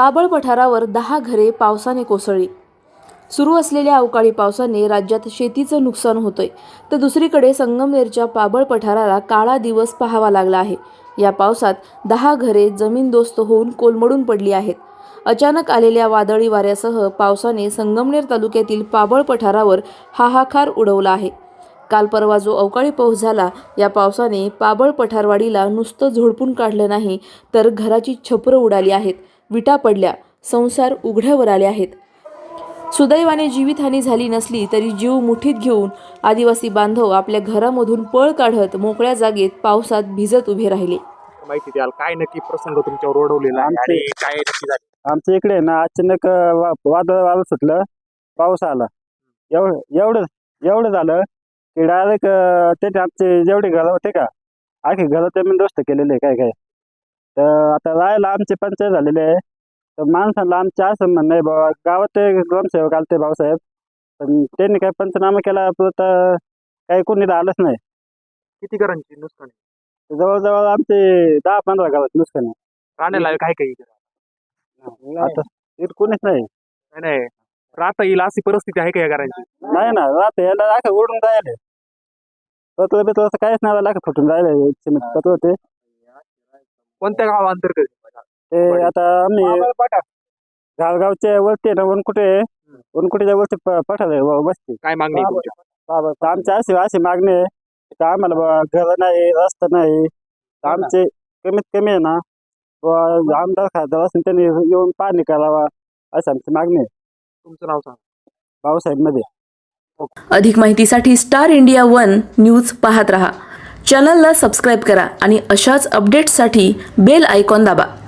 पाबळ पठारावर 10 घरे पावसाने कोसळली। सुरू असलेल्या अवकाळी पावसाने राज्यात शेतीचं नुकसान होतंय, तर दुसरीकडे संगमनेरच्या पाबळ पठाराला काळा दिवस पाहावा लागला आहे। या पावसात 10 घरे जमीनदोस्त होऊन कोलमडून पडली आहेत। अचानक आलेल्या वादळी वाऱ्यासह पावसाने संगमनेर तालुक्यातील पाबळ पठारावर हाहाकार उडवला आहे। काल परवा जो अवकाळी पाऊस झाला, या पावसाने पाबळ पठारवाडीला नुसतं झोडपून काढलं नाही, तर घराची छपरं उडाली आहेत, विटा पडल्या, संसार उघड्यावर आले आहेत। सुदैवाने जीवितहानी झाली नसली तरी जीव मुठीत घेऊन आदिवासी बांधव आपल्या घरामधून पळ काढत मोकळ्या जागेत पावसात भिजत उभे राहिले। माहिती द्याल काय नक्की प्रसंग तुमच्यावर ओढवलेला आहे आणि काय नक्की झाले? आमच्या इकडे ना अचानक वादळ सुटलं, पाऊस आला, एवढं झालं की डायरेक्ट ते आमचे जेवढे घरं होते का आखी घरं ते मी दोस्त केलेले काय तर आता राहायला आमचे पंचायत झालेले आहे। तर माणसाला आमच्या असं म्हणणं आहे बाबा, गावात ते ग्रामसेवक आलते भाऊसाहेब, पण त्यांनी काही पंचनामा केला तर काही कोणी आलंच नाही। किती घरांची नुकसान आहे? जवळजवळ आमचे 10-15 गावात नुकसान आहे। राहण्याला काय काही आता इथं कोणीच नाही। नाही राहता येईल अशी परिस्थिती आहे का या घरांची? नाही ना, राहत याला लाख उडून राहिले, पत्र बित्र असं काहीच नाही, लाख फुटून राहिले सिमेंट पत्र होते। कोणत्या गावांतर्गत? ते आता आम्ही गावगावच्या वरती ना वनकुटेच्या वरती पठार बसते। काय मागणी आहे तुमच्या? आमच्या अशी मागणी आहे तर आम्हाला बाबा घर नाही, रस्ता नाही, आमचे कमीत कमी आहे ना आमदार खासदार असेल त्यांनी येऊन पाहणी करावा अशी आमची मागणी आहे। तुमचं नाव सांगा। भाऊसाहेब मध्ये। अधिक माहितीसाठी स्टार इंडिया 1 न्यूज पाहत रहा। चॅनलला सबस्क्राइब करा आणि अशाच अपडेट्ससाठी बेल आयकॉन दाबा।